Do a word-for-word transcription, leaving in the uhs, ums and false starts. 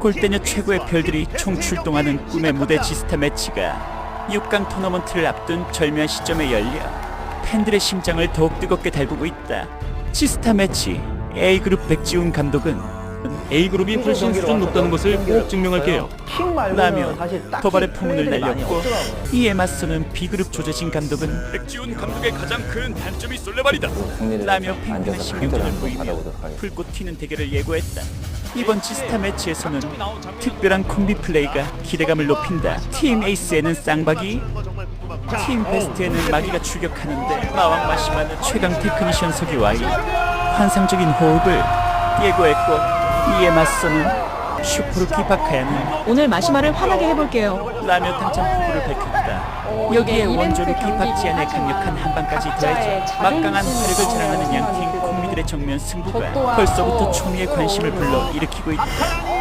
골대녀 최고의 별들이 총출동하는 꿈의 무대 지스타 매치가 육 강 토너먼트를 앞둔 절묘한 시점에 열려 팬들의 심장을 더욱 뜨겁게 달구고 있다. 지스타 매치 A그룹 백지훈 감독은 A그룹이 훨씬 수준 높다는 것을 꼭 증명할게요. 라며 도발의 포문을 날렸고, 이에 맞서는 B그룹 조재진 감독은 백지훈 감독의 가장 큰 단점이 솔레발이다 라며 팬들의 신경전을 보이며 불꽃 튀는 대결을 예고했다. 이번 지스타 매치에서는 특별한 콤비 플레이가 기대감을 높인다. 팀 에이스에는 쌍박이, 팀 베스트에는 마기가 출격하는데 마왕 마시마는 최강 테크니션 서기와의 환상적인 호흡을 예고했고, 이에 맞서는 슈퍼루키 바카야는 오늘 마시마를 화나게 해볼게요. 라며 당찬 포부를 밝혔다. 여기에 원조루키 박지안의 강력한 한방까지 더해져 막강한 화력을 자랑하는 양팀 콤비들의 정면 승부가 벌써부터 초미의 관심을 불러 일으키고 있다.